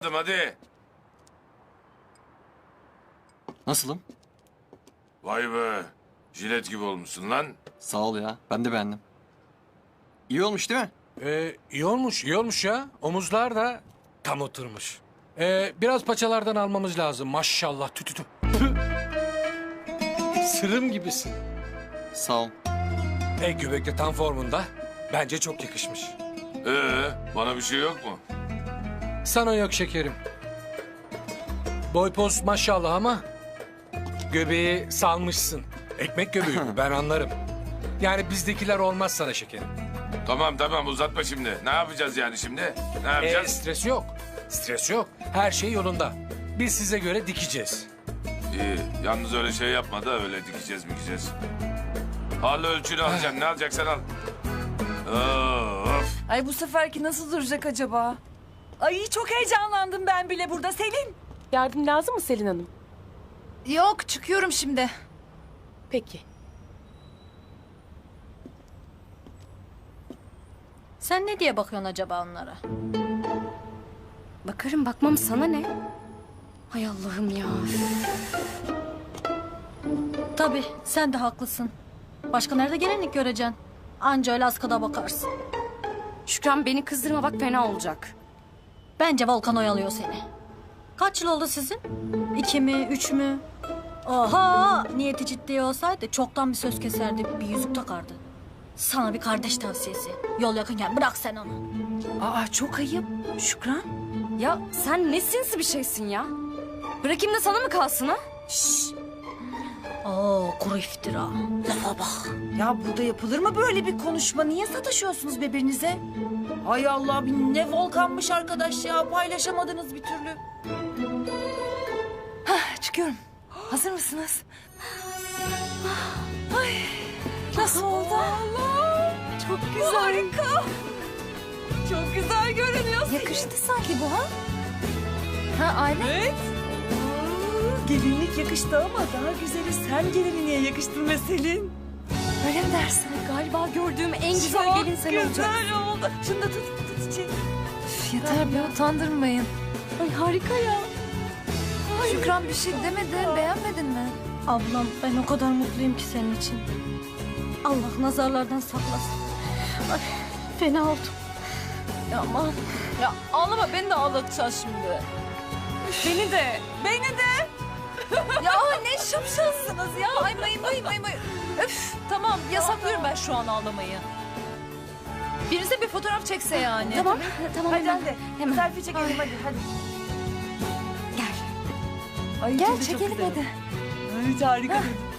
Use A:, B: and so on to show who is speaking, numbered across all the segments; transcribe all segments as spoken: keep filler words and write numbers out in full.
A: hadi.
B: Nasılım?
A: Vay be. Jilet gibi olmuşsun lan.
B: Sağ ol ya. Ben de beğendim. İyi olmuş değil mi?
C: Ee, iyi olmuş, iyi olmuş ya. Omuzlar da tam oturmuş. Ee, biraz paçalardan almamız lazım. Maşallah tü tü tü. Sırım gibisin.
B: Sağ ol.
C: E göbek de tam formunda. Bence çok yakışmış.
A: Ee, bana bir şey yok mu?
C: Sana yok şekerim. Boy poz maşallah ama göbeği salmışsın. Ekmek göbeği bu, ben anlarım. Yani bizdekiler olmaz sana şekerim.
A: Tamam tamam uzatma şimdi. Ne yapacağız yani şimdi? Ne
C: E,
A: yapacağız?
C: stres yok. Stres yok. Her şey yolunda. Biz size göre dikeceğiz.
A: İyi. Yalnız öyle şey yapma da öyle dikeceğiz mikeceğiz. Al ölçünü alacaksın. Ne alacaksan al. Of.
D: Ay bu seferki nasıl duracak acaba? Ay çok heyecanlandım ben bile burada Selin.
E: Yardım lazım mı Selin Hanım?
D: Yok çıkıyorum şimdi.
E: Peki.
F: Sen ne diye bakıyorsun acaba onlara?
G: Bakarım bakmam sana ne? Hay Allah'ım ya.
F: Tabii sen de haklısın. Başka nerede gelinlik göreceksin? Anca öyle askıda bakarsın.
G: Şükran beni kızdırma bak fena olacak.
F: Bence Volkan oyalıyor seni. Kaç yıl oldu sizin? İki mi, üç mü? Oha! Niyeti ciddi olsaydı çoktan bir söz keserdi, bir yüzük takardı. Sana bir kardeş tavsiyesi. Yol yakınken bırak sen onu.
D: Aa çok ayıp Şükran.
G: Ya sen ne sinsi bir şeysin ya? Bırakayım da sana mı kalsın ha?
F: Oo, kuru iftira. Lafa bak.
D: Ya burada yapılır mı böyle bir konuşma? Niye sataşıyorsunuz birbirinize? Ay Allah bir ne volkanmış arkadaş ya. Paylaşamadınız bir türlü. Hah, çıkıyorum. Hazır mısınız? Ay nasıl oldu? Allah çok güzel. Harika. Çok güzel görünüyorsun. Yakıştı sanki bu ha? Ha aynen. Evet. Aa, gelinlik yakıştı ama daha güzeli sen gelinliğe yakıştın be Selin. Öyle mi dersin?
G: Galiba gördüğüm en güzel
D: Çok
G: gelin sen olacaksın.
D: güzel oldu. Şunu da tut, tut çiçeği. Yeter be utandırmayın.
G: Ay harika ya.
D: Şükran bir şey demedin, beğenmedin mi?
F: Ablam ben o kadar mutluyum ki senin için. Allah nazarlardan saklasın. Ay, fena oldum.
D: Ya aman. Ya ağlama beni de ağlatacaksın şimdi. Beni de. Beni de. ya ne şapşalsınız ya. Ay may may may may. Öf tamam yasaklıyorum ben şu an ağlamayı. Birinize bir fotoğraf çekse yani.
G: Tamam tamam
D: Hadi
G: hemen.
D: hadi.
G: Hemen.
D: Selfie çekelim hadi hadi.
G: Gel.
D: Ay,
G: Gel
D: çok
G: çekelim
D: güzel.
G: hadi.
D: Ay harika.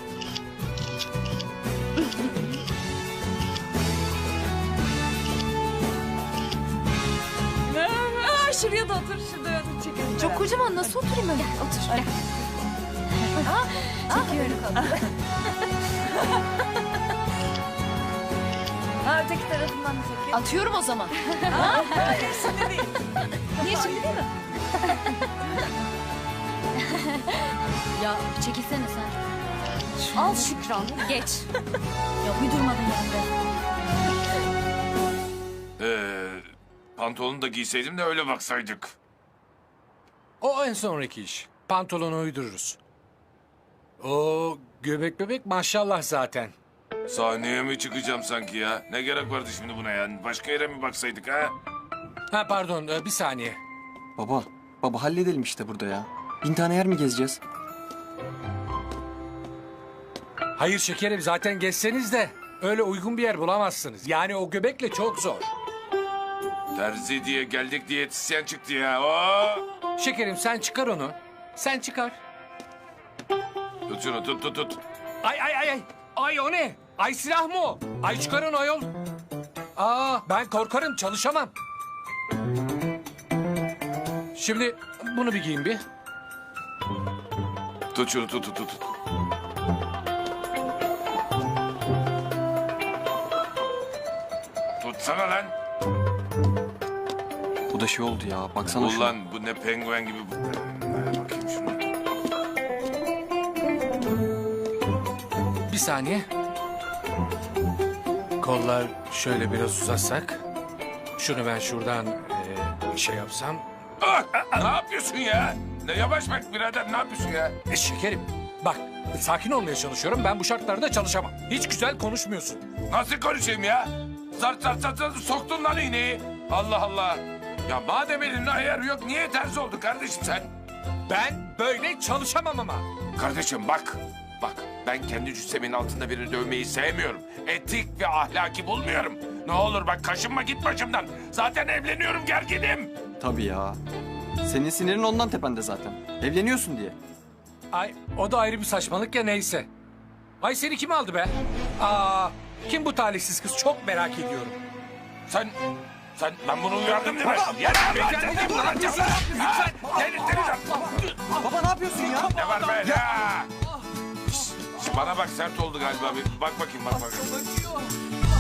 D: Aa, şuraya da otur, şuraya otur çekelim. Çok kocaman nasıl oturayım ben?
G: Gel otur. Gel.
D: Çekiyorum. Ha öteki tarafından da çekeyim.
E: Atıyorum o zaman.
D: Ha, hayır şimdi değil.
E: Niye şimdi değil mi?
F: Ya çekilsene sen.
G: Al Şükran geç.
F: Ya bir durmadın yanında.
A: Ee, pantolonu da giyseydim de öyle baksaydık.
C: O en sonraki iş. Pantolonu uydururuz. O göbek bebek maşallah zaten.
A: Sahneye mi çıkacağım sanki ya? Ne gerek vardı şimdi buna yani? Başka yere mi baksaydık ha?
C: Ha pardon e, bir saniye.
B: Baba, baba halledelim işte burada ya. Bin tane yer mi gezeceğiz?
C: Hayır şekerim zaten geçseniz de öyle uygun bir yer bulamazsınız. Yani o göbekle çok zor.
A: Terzi diye geldik diyetisyen çıktı ya. Oo!
C: Şekerim sen çıkar onu. Sen çıkar.
A: Tut şunu tut tut tut.
C: Ay ay ay ay. Ay o ne? Ay silah mı o? Ay çıkarın ayol. Aa ben korkarım çalışamam. Şimdi bunu bir giyin bir.
A: Tut şunu tut tut tut. Tutsana lan.
B: Bu da şey oldu ya. Baksana şuna.
A: Ulan bu ne penguen gibi. Bu. Ver bakayım şunu.
C: Bir saniye. Kollar şöyle biraz uzatsak. Şunu ben şuradan e, şey yapsam.
A: Ah, ne yapıyorsun ya? Ne yavaş bak birader, ne yapıyorsun ya?
C: E, şekerim bak sakin olmaya çalışıyorum. Ben bu şartlarda çalışamam. Hiç güzel konuşmuyorsun.
A: Nasıl konuşayım ya? Zart zart zart zart soktun lan iğneyi. Allah Allah. Ya madem elinde ayarı yok, niye terzi oldun kardeşim sen?
C: Ben böyle çalışamam ama.
A: Kardeşim bak, bak ben kendi cüssemin altında birini dövmeyi sevmiyorum. Etik ve ahlaki bulmuyorum. Ne olur bak kaşınma, git başımdan. Zaten evleniyorum, gerginim.
B: Tabii ya. Senin sinirin ondan tepende zaten. Evleniyorsun diye.
C: Ay o da ayrı bir saçmalık ya, neyse. Ay seni kim aldı be? Aa, kim bu talihsiz kız, çok merak ediyorum.
A: Sen, sen ben bunu uyardım değil mi? Yeter lan, seni vuracağım lan. Ha, delirttireceğim.
B: Baba ne yapıyorsun ya?
A: Ne var be ya? Şş, şş, bana bak, sert oldu galiba. Bir bak bakayım, bak bakayım.